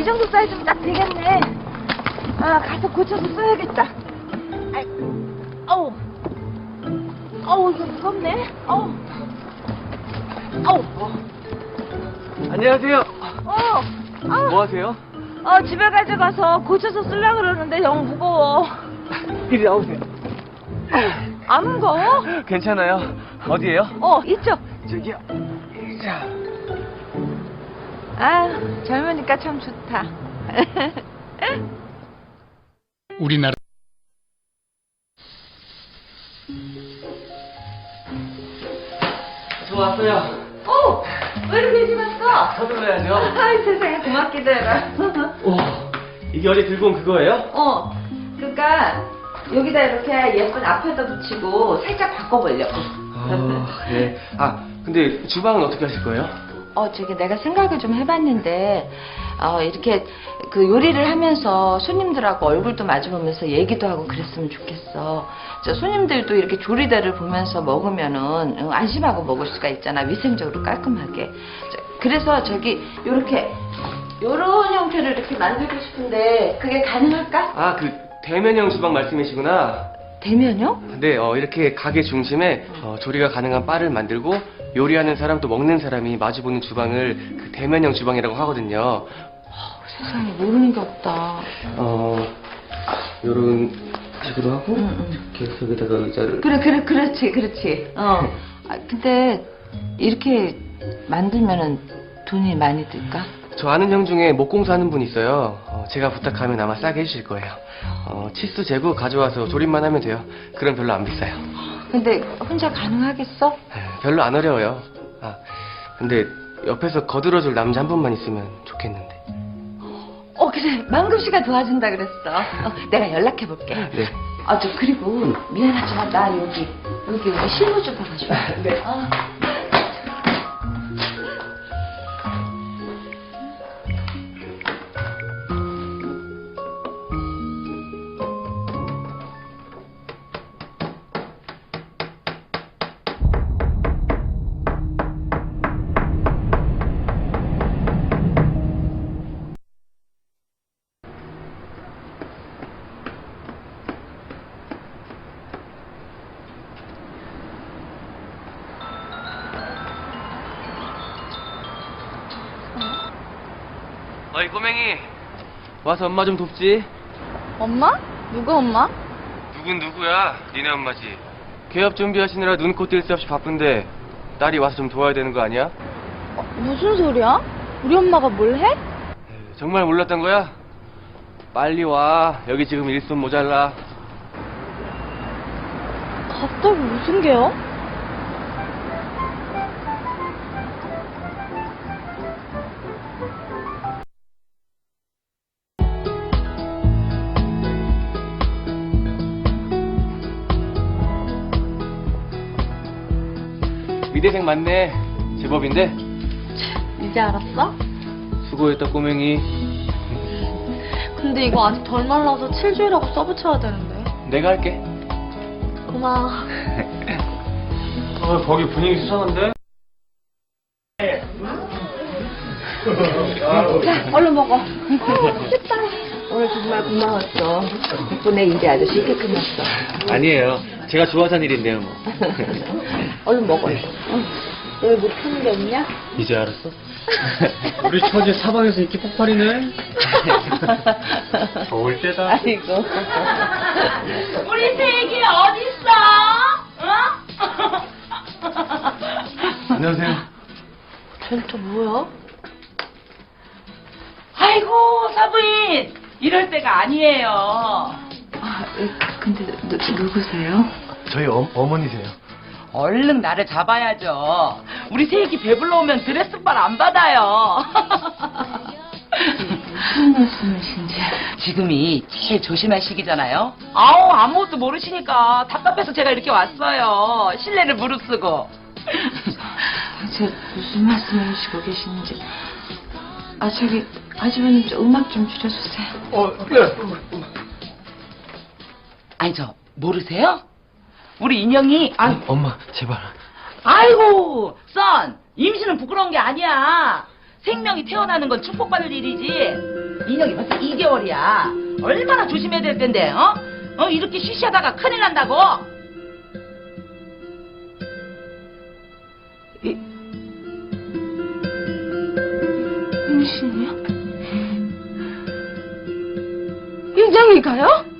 이 정도 사이즈면 딱 되겠네. 아, 가서 고쳐서 써야겠다. 아이, 어우, 이거 무겁네. 어우. 안녕하세요. 뭐 하세요? 집에 가져가서 고쳐서 쓰려고 그러는데 너무 무거워. 이리 나오세요. 안 무거워? 괜찮아요. 어디에요? 이쪽. 저기요. 자. 아, 젊으니까 참 좋다. 우리나라 저 왔어요. 왜 이렇게 일찍 왔어? 서둘러야죠. 아이, 세상에, 고맙기도 해라. 오, 이게 어제 들고 온 그거예요? 그니까, 여기다 이렇게 예쁜 앞에다 붙이고 살짝 바꿔보려고. 네. 근데 주방은 어떻게 하실 거예요? 저기 내가 생각을 좀 해봤는데, 이렇게 그 요리를 하면서 손님들하고 얼굴도 마주보면서 얘기도 하고 그랬으면 좋겠어. 손님들도 이렇게 조리대를 보면서 먹으면은 안심하고 먹을 수가 있잖아. 위생적으로 깔끔하게. 그래서 요런 형태를 이렇게 만들고 싶은데, 그게 가능할까? 그 대면형 주방 말씀이시구나. 대면요? 네, 이렇게 가게 중심에 조리가 가능한 바를 만들고 요리하는 사람 또 먹는 사람이 마주보는 주방을 그 대면형 주방이라고 하거든요. 세상에, 모르는 게 없다. 요런 식으로 하고 이렇게 여기다가 의자를 그렇지. 근데 이렇게 만들면은 돈이 많이 들까? 저 아는 형 중에 목공사 하는 분 있어요. 제가 부탁하면 아마 싸게 해주실 거예요. 치수 재고 가져와서 조립만 하면 돼요. 그럼 별로 안 비싸요. 근데 혼자 가능하겠어? 별로 안 어려워요. 근데 옆에서 거들어줄 남자 한 분만 있으면 좋겠는데. 그래. 망금 씨가 도와준다 그랬어. 내가 연락해 볼게. 네. 그리고 미안하지만 나 여기 우리 실무 좀 봐줘. 네. 어이 꼬맹이, 와서 엄마 좀 돕지. 엄마? 누구 엄마? 누군 누구야? 니네 엄마지. 개업 준비하시느라 눈코 뜰 새 없이 바쁜데 딸이 와서 좀 도와야 되는 거 아니야? 무슨 소리야? 우리 엄마가 뭘 해? 정말 몰랐던 거야? 빨리 와. 여기 지금 일손 모자라. 갑자기 무슨 개요? 미대생 맞네. 제법인데? 이제 알았어? 수고했다 꼬맹이. 근데 이거 아직 덜 말라서 칠주일하고 써붙여야 되는데. 내가 할게. 고마워. 거기 분위기 수상한데? 자, 얼른 먹어. 맛있다. 오늘 정말 고마웠어. 덕분에 일이 아주 쉽게 끝났어. 아니에요. 제가 좋아서 하는 일인데요 뭐. 얼른 먹어. 너희 뭐 푸는 게 없냐? 이제 알았어? 우리 처제 사방에서 인기 폭발이네. 더울 때다. 아이고. 우리 세기 어딨어? 안녕하세요. 쟤는 또 뭐야? 아이고 사부인 이럴 때가 아니에요. 근데 누구세요? 저희 어머니세요. 얼른 나를 잡아야죠. 우리 세기 배불러 오면 드레스발 안 받아요. 무슨 말씀이신지. 지금이 제일 조심할 시기잖아요. 아무것도 모르시니까 답답해서 제가 이렇게 왔어요. 신뢰를 무릅쓰고. 대체 무슨 말씀을 하시고 계시는지. 저기 아주버님 좀 음악 좀 줄여주세요. 네. 아니 모르세요? 우리 인형이 엄마 제발. 아이고 선 임신은 부끄러운 게 아니야. 생명이 태어나는 건 축복받을 일이지. 민혁이 벌써 2개월이야. 얼마나 조심해야 될 텐데, 어? 이렇게 쉬쉬하다가 큰일 난다고? 임신이요? 윤정이가요?